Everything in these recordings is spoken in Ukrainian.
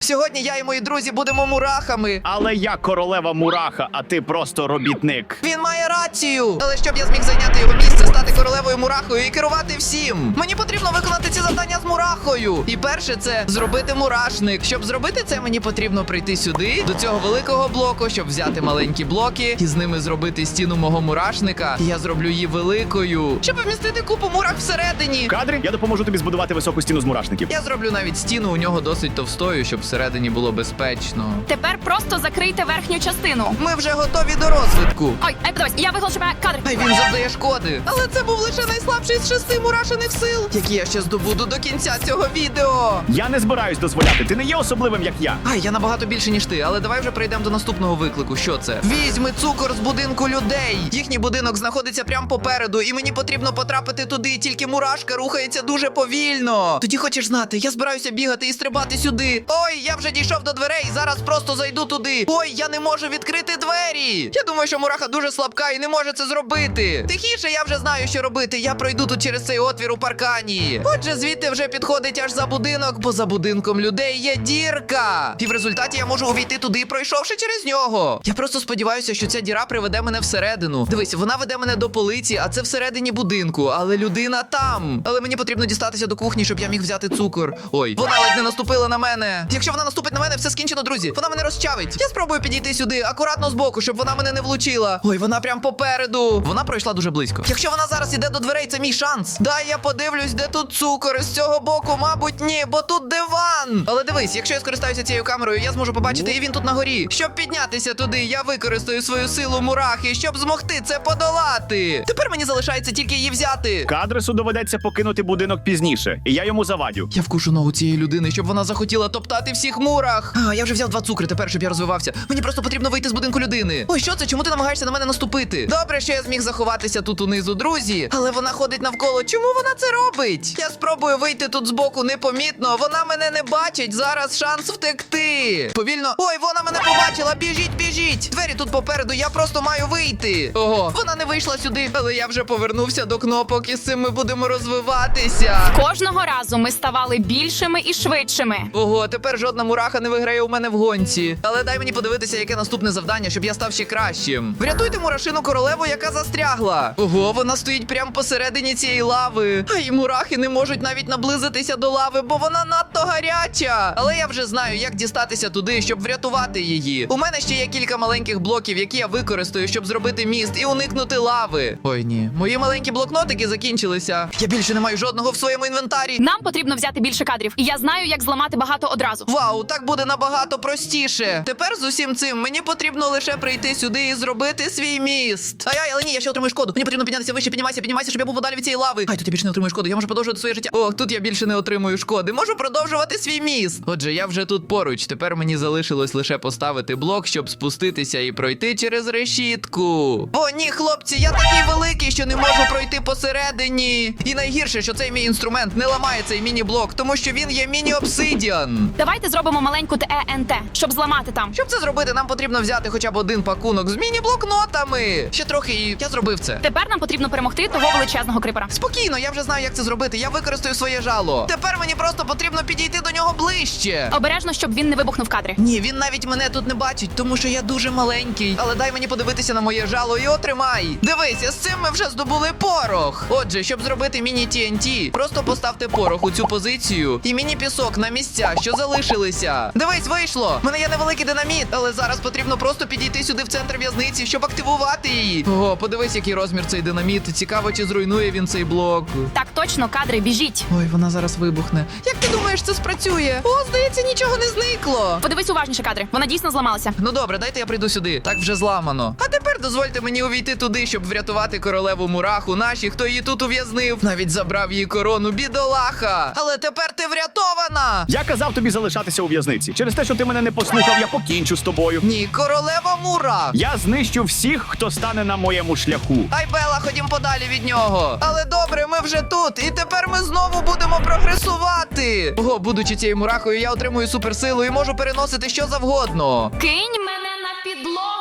Сьогодні я і мої друзі будемо мурахами. Але я королева мураха, а ти просто робітник. Він має рацію. Але щоб я зміг зайняти його місце, стати королевою мурахою і керувати всім, мені потрібно виконати ці завдання з мурахою. І перше це зробити мурашник. Щоб зробити це, мені потрібно прийти сюди, до цього великого блоку, щоб взяти маленькі блоки і з ними зробити стіну мого мурашника. І я зроблю її великою, щоб вмістити купу мурах всередині. Кадри, я допоможу тобі збудувати високу стіну з мурашників. Я зроблю навіть стіну у нього досить товстою, щоб всередині було безпечно. Тепер просто закрийте верхню частину. Ми вже готові до розвитку. Ой, подивись, я виголошу тебе кадр. Ай, він завдає шкоди. Але це був лише найслабший з 6 мурашиних сил, які я ще здобуду до кінця цього відео. Я не збираюсь дозволяти, ти не є особливим, як я. Ай, я набагато більше, ніж ти, але давай вже перейдемо до наступного виклику. Що це? Візьми цукор з будинку людей. Їхній будинок знаходиться прямо попереду, і мені потрібно потрапити туди, тільки мурашка рухається дуже повільно. Тоді хочеш знати, я збираюся бігати і стрибати сюди. Ой, я вже дійшов до дверей, зараз просто зайду туди. Ой, я не можу відкрити двері. Я думаю, що мураха дуже слабка і не може це зробити. Тихіше, я вже знаю, що робити. Я пройду тут через цей отвір у паркані. Отже, звідти вже підходить аж за будинок, бо за будинком людей є дірка. І в результаті я можу увійти туди, пройшовши через нього. Я просто сподіваюся, що ця діра приведе мене всередину. Дивись, вона веде мене до полиці, а це всередині будинку. Але людина там. Але мені потрібно дістатися до кухні, щоб я міг взяти цукор. Ой, вона ледь не наступила на мене. Якщо вона наступить на мене, все скінчено, друзі. Вона мене розчавить. Я спробую підійти сюди, акуратно збоку, щоб вона мене не влучила. Ой, вона прям попереду. Вона пройшла дуже близько. Якщо вона зараз іде до дверей, це мій шанс. Дай я подивлюсь, де тут цукор. З цього боку, мабуть, ні, бо тут диван. Але дивись, якщо я скористаюся цією камерою, я зможу побачити, і він тут на горі. Щоб піднятися туди, я використаю свою силу мурахи, щоб змогти це подолати. Тепер мені залишається тільки її взяти. Кадресу доведеться покинути будинок пізніше, і я йому завадю. Я вкушу ногу цієї людини, щоб вона захотіла топтати всіх мурах. Я вже взяв 2 цукри, тепер, щоб я розвивався. Мені просто потрібно вийти з будинку людини. Ой, що це? Чому ти намагаєшся на мене наступити? Добре, що я зміг заховатися тут унизу, друзі. Але вона ходить навколо. Чому вона це робить? Я спробую вийти тут збоку непомітно. Вона мене не бачить. Зараз шанс втекти. Повільно. Ой, вона мене побачила. Біжіть, біжіть. Двері тут попереду. Я просто маю вийти. Ого, вона не вийшла сюди. Але я вже повернувся до кнопок, і з цим ми будемо розвиватися. Кожного разу ми ставали більшими і швидшими. Ого, тепер жодна мураха не виграє у мене в гонці. Але дай мені подивитися, яке наступне завдання, щоб я став ще кращим. Врятуйте мурашину королеву, яка застрягла. Ого, вона стоїть прямо посередині цієї лави. А й мурахи не можуть навіть наблизитися до лави, бо вона надто гаряча. Але я вже знаю, як дістатися туди, щоб врятувати її. У мене ще є кілька маленьких блоків, які я використаю, щоб зробити міст і уникнути лави. Ой, ні. Мої маленькі блокнотики закінчилися. Я більше не маю жодного в своєму інвентарі. Нам потрібно взяти більше кадрів, і я знаю, як зламати багато одразу. Вау, так буде набагато простіше. Тепер з усім цим мені потрібно лише прийти сюди і зробити свій міст. Ай, але ні, я ще отримую шкоду. Мені потрібно піднятися вище, піднімайся, щоб я був подалі від цієї лави. Ай, тут я більше не отримую шкоду, я можу продовжувати своє життя. Ох, тут я більше не отримую шкоди. Можу продовжувати свій міст. Отже, я вже тут поруч. Тепер мені залишилось лише поставити блок, щоб спуститися і пройти через решітку. О, ні, хлопці, я такий великий, що не можу пройти посередині. І найгірше, що цей мій інструмент не ламає цей міні-блок, тому що він є міні-обсидіан. Давайте зробимо маленьку ТЕНТ, щоб зламати там. Щоб це зробити, нам потрібно взяти хоча б один пакунок з міні-блокнотами. Ще трохи, і я зробив це. Тепер нам потрібно перемогти того величезного крипера. Спокійно, я вже знаю, як це зробити. Я використаю своє жало. Тепер мені просто потрібно підійти до нього ближче. Обережно, щоб він не вибухнув кадри. Ні, він навіть мене тут не бачить, тому що я дуже маленький. Але дай мені подивитися на моє жало і отримай. Дивися, з цим ми вже здобули порох. Отже, щоб зробити міні-TNT, просто поставте порох у цю позицію і міні-пісок на місця, що залишилися. Дивись, вийшло. У мене є невеликий динаміт, але зараз потрібно просто підійти сюди в центр в'язниці, щоб активувати її. Ого, подивись, який розмір цей динаміт. Цікаво, чи зруйнує він цей блок. Так точно, кадри, біжіть. Ой, вона зараз вибухне. Як ти думаєш, це спрацює? О, здається, нічого не зникло. Подивись уважніше, кадри. Вона дійсно зламалася. Ну добре, дайте я прийду сюди. Так вже зламано. А тепер дозвольте мені увійти туди, щоб врятувати королеву мураху. Наші, хто її тут ув'язнив. Навіть забрав її корону, бідолаха. Але тепер ти врятована. Я казав тобі залишатися у в'язниці. Через те, що ти мене не послухав, я покінчу з тобою. Ні, королева мурах. Я знищу всіх, хто стане на моєму шляху. Ай, Бела, ходім подалі від нього. Але добре, ми вже тут. І тепер ми знову будемо прогресувати. Ого, будучи цією мурахою, я отримую суперсилу і можу переносити що завгодно. Кинь мене на підлогу.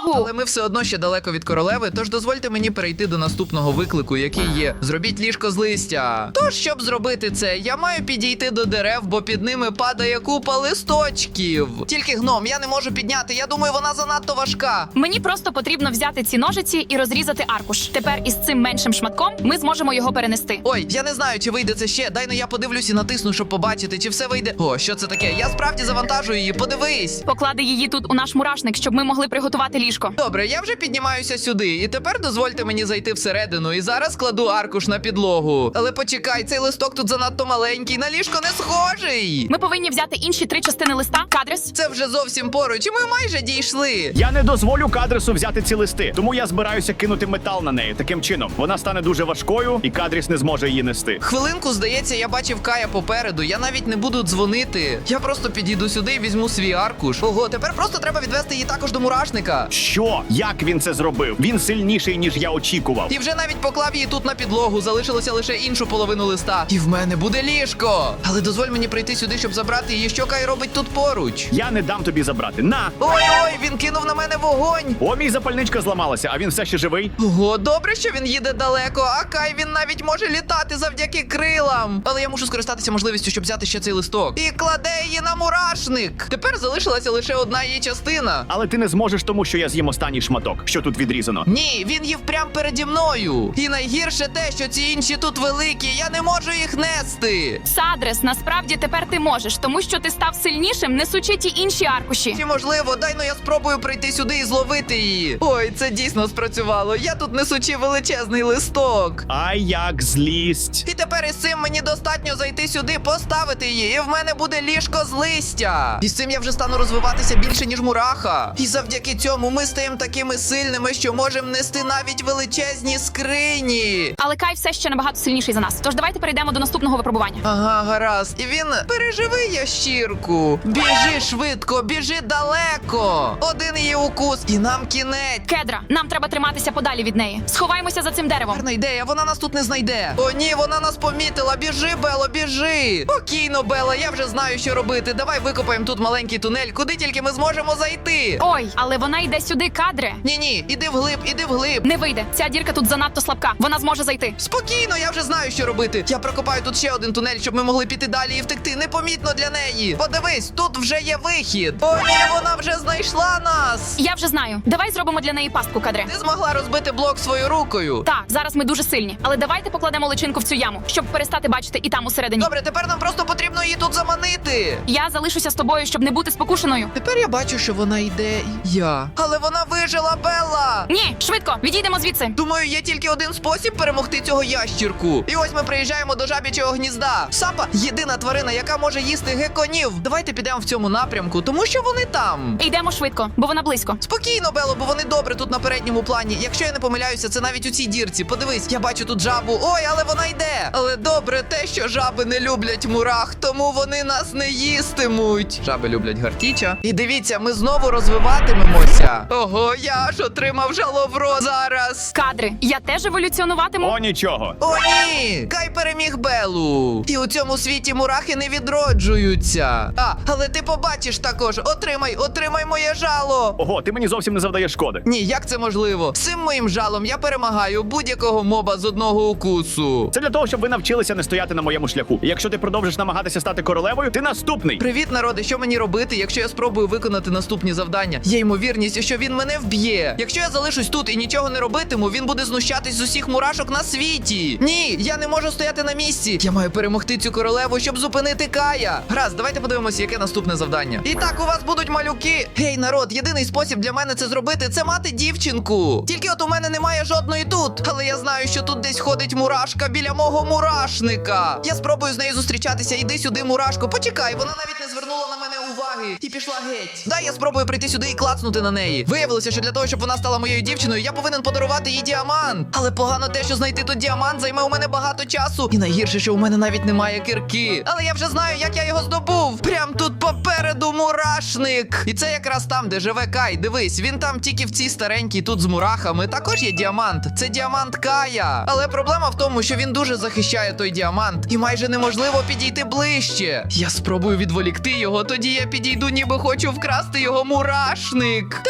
Але ми все одно ще далеко від королеви, тож дозвольте мені перейти до наступного виклику, який є: зробіть ліжко з листя. Тож, щоб зробити це, я маю підійти до дерев, бо під ними падає купа листочків. Тільки гном, я не можу підняти, я думаю, вона занадто важка. Мені просто потрібно взяти ці ножиці і розрізати аркуш. Тепер із цим меншим шматком ми зможемо його перенести. Ой, я не знаю, чи вийде це ще. Дай ну я подивлюсь і натисну, щоб побачити, чи все вийде. О, що це таке? Я справді завантажую її, подивись. Поклади її тут у наш мурашник, щоб ми могли приготувати ліжко. Добре, я вже піднімаюся сюди, і тепер дозвольте мені зайти всередину. І зараз кладу аркуш на підлогу. Але почекай, цей листок тут занадто маленький, на ліжко не схожий. Ми повинні взяти інші 3 частини листа. Кадрес. Це вже зовсім поруч, і ми майже дійшли. Я не дозволю Кадрісу взяти ці листи, тому я збираюся кинути метал на неї. Таким чином, вона стане дуже важкою, і Кадріс не зможе її нести. Хвилинку, здається, я бачив Кая попереду. Я навіть не буду дзвонити. Я просто підійду сюди і візьму свій аркуш. Ого, тепер просто треба відвести її також до мурашника. Що? Як він це зробив? Він сильніший, ніж я очікував. І вже навіть поклав її тут на підлогу, залишилося лише іншу половину листа. І в мене буде ліжко. Але дозволь мені прийти сюди, щоб забрати її. Що Кай робить тут поруч? Я не дам тобі забрати. На! Ой-ой, він кинув на мене вогонь. О, мій запальничка зламалася, а він все ще живий. Ого, добре, що він їде далеко, а Кай він навіть може літати завдяки крилам. Але я мушу скористатися можливістю, щоб взяти ще цей листок. І кладе її на мурашник. Тепер залишилася лише одна її частина. Але ти не зможеш, тому що я з'їм останній шматок, що тут відрізано. Ні, він їв прямо переді мною. І найгірше те, що ці інші тут великі, я не можу їх нести. Садрес, насправді тепер ти можеш, тому що ти став сильнішим, несучи ті інші аркуші. Чи можливо, дай ну я спробую прийти сюди і зловити її. Ой, це дійсно спрацювало. Я тут несучи величезний листок. Ай, як злість. І тепер із цим мені достатньо зайти сюди, поставити її, і в мене буде ліжко з листя. І з цим я вже стану розвиватися більше, ніж мураха. І завдяки цьому ми стаємо такими сильними, що можемо нести навіть величезні скрині. Але Кай все ще набагато сильніший за нас. Тож давайте перейдемо до наступного випробування. Ага, гаразд. І він переживи ящірку. Біжи швидко, біжи далеко. Один її укус, і нам кінець. Кедра, нам треба триматися подалі від неї. Сховаймося за цим деревом. Гарна ідея, вона нас тут не знайде. О ні, вона нас помітила. Біжи, Бело, біжи. Спокійно, Бела, я вже знаю, що робити. Давай викопаємо тут маленький тунель, куди тільки ми зможемо зайти. Ой, але вона йде сюди, кадре. Ні, іди вглиб, іди вглиб. Не вийде. Ця дірка тут занадто слабка. Вона зможе зайти. Спокійно, я вже знаю, що робити. Я прокопаю тут ще один тунель, щоб ми могли піти далі і втекти непомітно для неї. Подивись, тут вже є вихід. О ні, вона вже знайшла нас. Я вже знаю. Давай зробимо для неї пастку, кадре. Ти змогла розбити блок своєю рукою. Так, зараз ми дуже сильні. Але давайте покладемо личинку в цю яму, щоб перестати бачити і там усередині. Добре, тепер нам просто потрібно її тут заманити. Я залишуся з тобою, щоб не бути спокушеною. Тепер я бачу, що вона йде. Я. Але вона вижила, Белла. Ні, швидко, відійдемо звідси. Думаю, є тільки один спосіб перемогти цього ящірку. І ось ми приїжджаємо до жаб'ячого гнізда. Сапа єдина тварина, яка може їсти геконів. Давайте підемо в цьому напрямку, тому що вони там. Йдемо швидко, бо вона близько. Спокійно, Бело, бо вони добре тут на передньому плані. Якщо я не помиляюся, це навіть у цій дірці. Подивись, я бачу тут жабу. Ой, але вона йде. Але добре те, що жаби не люблять мурах, тому вони нас не їстимуть. Жаби люблять гартіча. І дивіться, ми знову розвиватимемося. Ого, я аж отримав жаловро зараз. Кадри, я теж еволюціонуватиму. О, нічого. О, ні! Кай переміг Белу. І у цьому світі мурахи не відроджуються. Але ти побачиш також. Отримай моє жало. Ого, ти мені зовсім не завдаєш шкоди. Ні, як це можливо? З цим моїм жалом я перемагаю будь-якого моба з одного укусу. Це для того, щоб ви навчилися не стояти на моєму шляху. І якщо ти продовжиш намагатися стати королевою, ти наступний. Привіт, народи! Що мені робити, якщо я спробую виконати наступні завдання? Є ймовірність, що він мене вб'є. Якщо я залишусь тут і нічого не робитиму, він буде знущатись з усіх мурашок на світі. Ні, я не можу стояти на місці. Я маю перемогти цю королеву, щоб зупинити Кая. Гаразд, давайте подивимося, яке наступне завдання. І так, у вас будуть малюки. Гей, народ, єдиний спосіб для мене це зробити, це мати дівчинку. Тільки от у мене немає жодної тут. Але я знаю, що тут десь ходить мурашка біля мого мурашника. Я спробую з нею зустрічатися. Іди сюди, мурашко. Почекай, вона навіть не звернула на мене уваги і пішла геть. Дай я спробую прийти сюди і клацнути на неї. Виявилося, що для того, щоб вона стала моєю дівчиною, я повинен подарувати їй діамант. Але погано те, що знайти тут діамант займе у мене багато часу. І найгірше, що у мене навіть немає кирки. Але я вже знаю, як я його здобув. Прям тут попереду мурашник. І це якраз там, де живе Кай. Дивись, він там тільки в цій старенькій, тут з мурахами. Також є діамант. Це діамант Кая. Але проблема в тому, що він дуже захищає той діамант. І майже неможливо підійти ближче. Я спробую відволікти його, тоді я підійду, ніби хочу вкрасти його мурашник. Тепер цей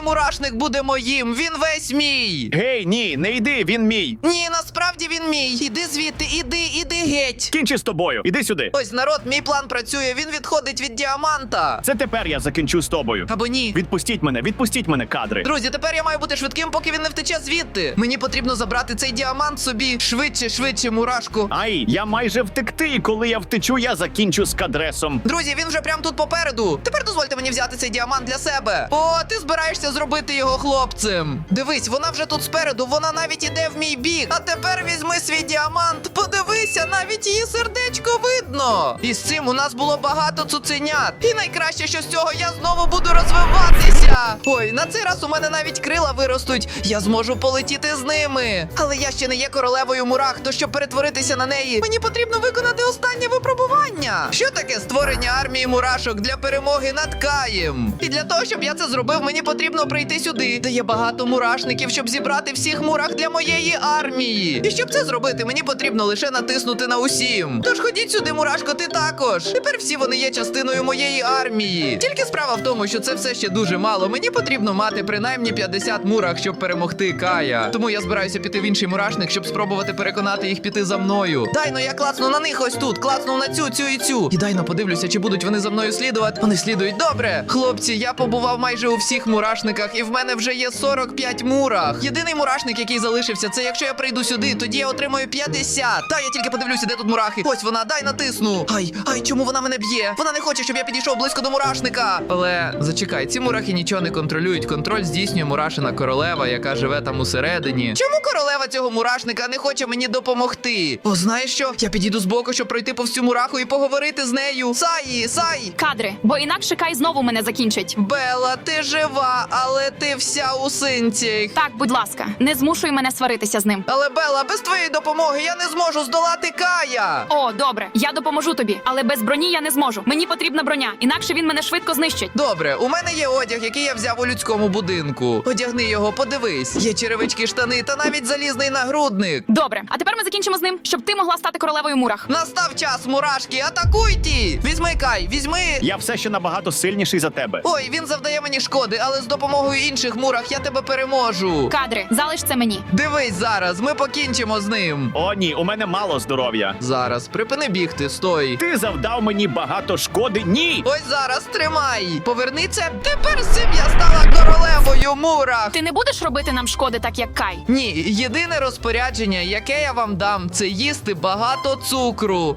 мурашник буде моїм, він весь мій. Гей, ні, не йди, він мій. Ні, насправді він мій. Іди звідти, іди геть. Кінчи з тобою. Іди сюди. Ось, народ, мій план працює, він відходить від діаманта. Це тепер я закінчу з тобою. Або ні. Відпустіть мене, кадри. Друзі, тепер я маю бути швидким, поки він не втече звідти. Мені потрібно забрати цей діамант собі. Швидше, мурашку. Ай, я майже втекти, і коли я втечу, я закінчу з кадресом. Друзі, він вже прямо тут попереду. Тепер дозвольте мені взяти цей діамант для себе. О, ти збираєшся зробити його хлопцем. Дивись, вона вже тут спереду, вона навіть іде в мій бік. А тепер візьми свій діамант. Подивися, навіть її сердечко видно. І з цим у нас було багато цуценят. І найкраще, що з цього я знову буду розвиватися. Ой, на цей раз у мене навіть крила виростуть. Я зможу полетіти з ними. Але я ще не є королевою мурах, то щоб перетворитися на неї, мені потрібно виконати останнє випробування. Що таке створення армії мурашок для перемоги над Каєм? І для того, щоб я це зробив, мені потрібно прийти сюди, де є багато мурашників, щоб зібрати всіх мурах для моєї армії. І щоб це зробити, мені потрібно лише натиснути на усім. Тож ходіть сюди, мурашко, ти також. Тепер всі вони є частиною моєї армії. Тільки справа в тому, що це все ще дуже мало. Мені потрібно мати принаймні 50 мурах, щоб перемогти Кая. Тому я збираюся піти в інший мурашник, щоб спробувати переконати їх піти за мною. Дайно, я клацну на них ось тут, клацну на цю і цю. І дайно подивлюся, чи будуть вони за мною слідувати. Вони слідують добре. Хлопці, я побував майже у всіх мурашниках, і в мене вже є 45 мурах. Єдиний мурашник, який залишився, це якщо я прийду сюди, тоді я отримаю 50. Та я тільки подивлюся, де тут мурахи. Ось вона, дай натисну. Ай, чому вона мене б'є? Вона не хоче, щоб я підійшов близько до мурашника. Але зачекай, ці мурахи нічого не контролюють. Контроль здійснює мурашина королева, яка живе там усередині. Чому королева цього мурашника не хоче мені допомогти? О, знаєш що? Я підійду збоку, щоб пройти по всю мураху і поговорити з нею. Сай! Кадри, бо інакше Кай знову мене закінчить. Белла, ти жива, але ти вся у синцях. Так, будь ласка, не змушуй мене сваритися з ним. Але, Белла, без твоєї допомоги я не зможу здолати Кая. О, добре, я допоможу тобі, але без броні я не зможу. Мені потрібна броня, інакше він мене швидко знищить. Добре, у мене є одяг, який я взяв у людському будинку. Одягни його, подивись. Є черевички, штани та навіть залізний нагрудник. Добре, а тепер ми закінчимо з ним, щоб ти могла стати королевою мурах. Настав час, мурашки, атакуйте! Візьми, Кай, візьми! Я все ще набагато сильніший за тебе. Ой, він завдає мені шкоди, але з допомогою інших мурах я тебе переможу. Кадри, залиш це мені. Дивись зараз, ми покінчимо з ним. О, ні, у мене мало здоров'я. Зараз, припини бігти, стой. Ти завдав мені багато шкоди. Ні! Ось зараз, тримай. Поверни це. Тепер з цим я стала королевою мурах. Ти не будеш робити нам шкоди, так як Кай? Ні, єдине розпорядження, яке я вам дам, це їсти багато цукру.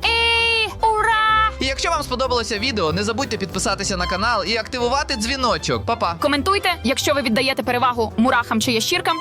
Ура! І якщо вам сподобалося відео, не забудьте підписатися на канал і активувати дзвіночок. Па-па! Коментуйте, якщо ви віддаєте перевагу мурахам чи ящіркам,